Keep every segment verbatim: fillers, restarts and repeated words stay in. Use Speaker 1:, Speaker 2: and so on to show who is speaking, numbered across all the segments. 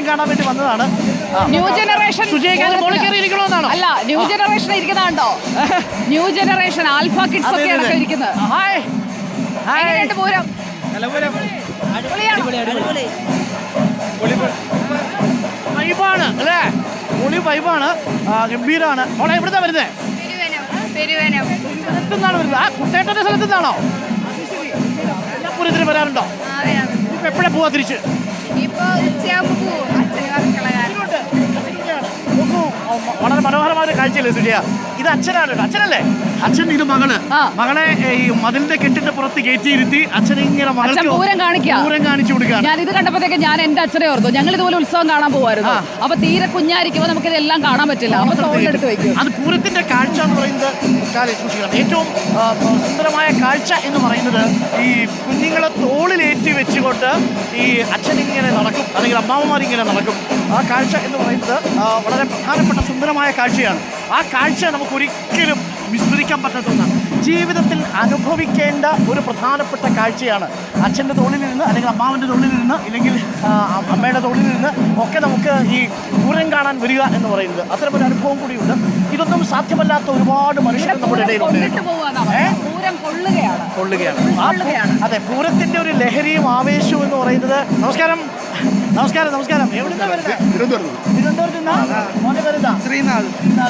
Speaker 1: പൂരം കാണാൻ വേണ്ടി വന്നതാണ്.
Speaker 2: ന്യൂ ജനറേഷൻ
Speaker 1: ഇരിക്കണമെന്നാണോ?
Speaker 2: അല്ല, ന്യൂ ജനറേഷൻ ഇരിക്കുന്നതാണ്ടോ? ന്യൂ ജനറേഷൻ ആൽഫ കിഡ്സ് ഒക്കെ അടക്കം ഇരിക്കുന്നത്. എങ്ങനെയുണ്ട് പൂരം?
Speaker 1: വൈബാണ് അല്ലേ? പൊളി വൈബാണ്, ഗംഭീരാണ്. മോളെ എവിടുന്നാ വരുന്നത്? എന്നാണ് വരുന്നത്? ആ കുട്ടേട്ടന്റെ സ്ഥലത്ത് നിന്നാണോ? എല്ലാ പൂരത്തിനും വരാറുണ്ടോ? ഇപ്പൊ എപ്പോഴാ പോവാ തിരിച്ച്? വളരെ മനോഹരമായ ഒരു കാഴ്ചയല്ലേ സുജിയ? ഇത് അച്ഛനാണ്, അച്ഛനല്ലേ? അച്ഛൻ ഇത് മകള് മകളെ ഈ മതിലിന്റെ കെട്ടിന്റെ പുറത്ത് കയറ്റിയിരുത്തി അച്ഛൻ ഇങ്ങനെ
Speaker 2: പൂരം
Speaker 1: പൂരം കാണിച്ചു കൊടുക്കുകയാണ്.
Speaker 2: ഞാൻ ഇത് കണ്ടപ്പോഴത്തേക്ക് ഞാൻ എന്റെ അച്ഛനെ ഓർത്തു. ഞങ്ങൾ ഇതുപോലെ ഉത്സവം കാണാൻ പോകുമായിരുന്നു. അപ്പൊ തീരെ കുഞ്ഞായിരിക്കുമ്പോൾ നമുക്ക് ഇതെല്ലാം കാണാൻ പറ്റില്ല. അപ്പൊ തോളിലെടുത്ത് വെക്കും.
Speaker 1: അത് പൂരത്തിന്റെ കാഴ്ച എന്ന് പറയുന്നത് സൂക്ഷിക്കണം. ഏറ്റവും സുന്ദരമായ കാഴ്ച എന്ന് പറയുന്നത് ഈ കുഞ്ഞുങ്ങളെ തോളിലേറ്റി വെച്ചുകൊണ്ട് ഈ അച്ഛനിങ്ങനെ നടക്കും, അല്ലെങ്കിൽ അമ്മാവന്മാരിങ്ങനെ നടക്കും. ആ കാഴ്ച എന്ന് പറയുന്നത് വളരെ പ്രധാനപ്പെട്ട സുന്ദരമായ കാഴ്ചയാണ്. ആ കാഴ്ച നമുക്ക് ഒരിക്കലും വിസ്മരിക്കാൻ പറ്റാത്ത ഒന്നാണ്. ജീവിതത്തിൽ അനുഭവിക്കേണ്ട ഒരു പ്രധാനപ്പെട്ട കാഴ്ചയാണ്. അച്ഛൻ്റെ തോളിലിരുന്ന് അല്ലെങ്കിൽ അമ്മാവൻ്റെ തോളിലിരുന്ന് ഇല്ലെങ്കിൽ അമ്മയുടെ തോളിലിരുന്ന് ഒക്കെ നമുക്ക് ഈ പൂരം കാണാൻ വരിക എന്ന് പറയുന്നത് അത്തരമൊരു അനുഭവം കൂടിയുണ്ട്. ഇതൊന്നും സാധ്യമല്ലാത്ത ഒരുപാട് മനുഷ്യർ നമ്മുടെ ഇടയിലുണ്ട്. കൊള്ളുകയാണ്. അതെ, പൂരത്തിന്റെ ഒരു ലഹരിയും ആവേശവും എന്ന് പറയുന്നത്. നമസ്കാരം നമസ്കാരം നമസ്കാരം എവിടുന്നാ വരുന്നത്? തിരുവനന്തപുരത്ത്
Speaker 3: ശ്രീനാഥ്.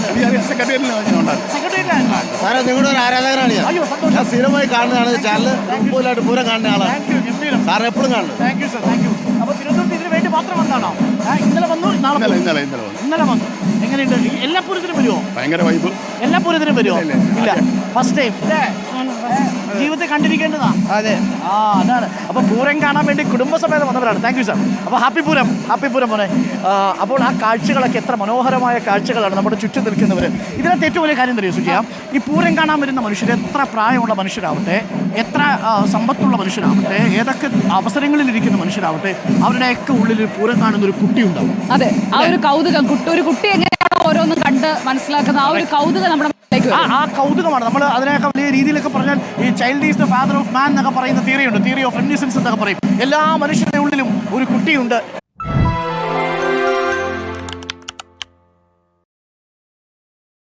Speaker 1: സെക്രട്ടറി
Speaker 3: നിങ്ങളുടെ ഒരു ആരാധകരാണ് ഞാൻ.
Speaker 1: അയ്യോ സന്തോഷം.
Speaker 3: സ്ഥിരമായി കാണുന്നതാണ് ചാനൽ. മുമ്പിലായിട്ട് പൂരം കാണുന്ന ആളാണ് സാർ, എപ്പോഴും കാണുന്നത്.
Speaker 1: Thank you sir, thank you. അപ്പോൾ തിരുവനന്തപുരത്ത് ഇതിന് വേണ്ടി മാത്രം വന്നാണോ? ഇന്നലെ വന്നു, നാളെ
Speaker 3: ഇന്നലെ ഇന്നലെ
Speaker 1: ഇന്നലെ വന്നു. എങ്ങനെയുണ്ട്? എല്ലാ പൂരത്തിനും വരുമോ?
Speaker 3: ഭയങ്കര വൈബ്.
Speaker 1: എല്ലാ പൂരത്തിനും വരുമോ? ഇല്ല, ഫസ്റ്റ് ടൈം. ജീവിതത്തിൽ കണ്ടിരിക്കേണ്ടതാ.
Speaker 3: അതെ,
Speaker 1: ആ അതാണ്. അപ്പോൾ പൂരം കാണാൻ വേണ്ടി കുടുംബസമേതം വന്നവരാണ്. Thank you sir. അപ്പോൾ ഹാപ്പി പൂരം, ഹാപ്പി പൂരം മോനെ. അപ്പോൾ ആ കാഴ്ചകളൊക്കെ എത്ര മനോഹരമായ കാഴ്ചകളാണ് നമ്മുടെ ചുറ്റും നിൽക്കുന്നവർ. ഇതിനകത്ത് ഏറ്റവും വലിയ കാര്യം തരുമോ സുജിയ? ഈ പൂരം കാണാൻ വരുന്ന മനുഷ്യർ എത്ര പ്രായമുള്ള മനുഷ്യരാവട്ടെ, എത്ര സമ്പത്തുള്ള മനുഷ്യരാവട്ടെ, ഏതൊക്കെ അവസരങ്ങളിലിരിക്കുന്ന മനുഷ്യരാവട്ടെ, അവരുടെയൊക്കെ ഉള്ളിൽ പൂരം കാണുന്ന ഒരു കുട്ടി ഉണ്ടാവും.
Speaker 2: അതെ, ആ ഒരു കൗതുകം. കുട്ടി ഒരു കുട്ടി എങ്ങനെയാണോ ഓരോന്നും കണ്ട് മനസ്സിലാക്കുന്ന ആ ഒരു കൗതുകം നമ്മുടെ
Speaker 1: ആ കൗതുകമാണ്. നമ്മൾ അതിനൊക്കെ വലിയ രീതിയിലൊക്കെ പറഞ്ഞാൽ ഈ child is the father of man എന്നൊക്കെ പറയുന്ന തിയറി ഉണ്ട്. തിയറി ഓഫ് റെമിനിസൻസ് എന്നൊക്കെ പറയും. എല്ലാ മനുഷ്യരുടെ ഉള്ളിലും ഒരു കുട്ടിയുണ്ട്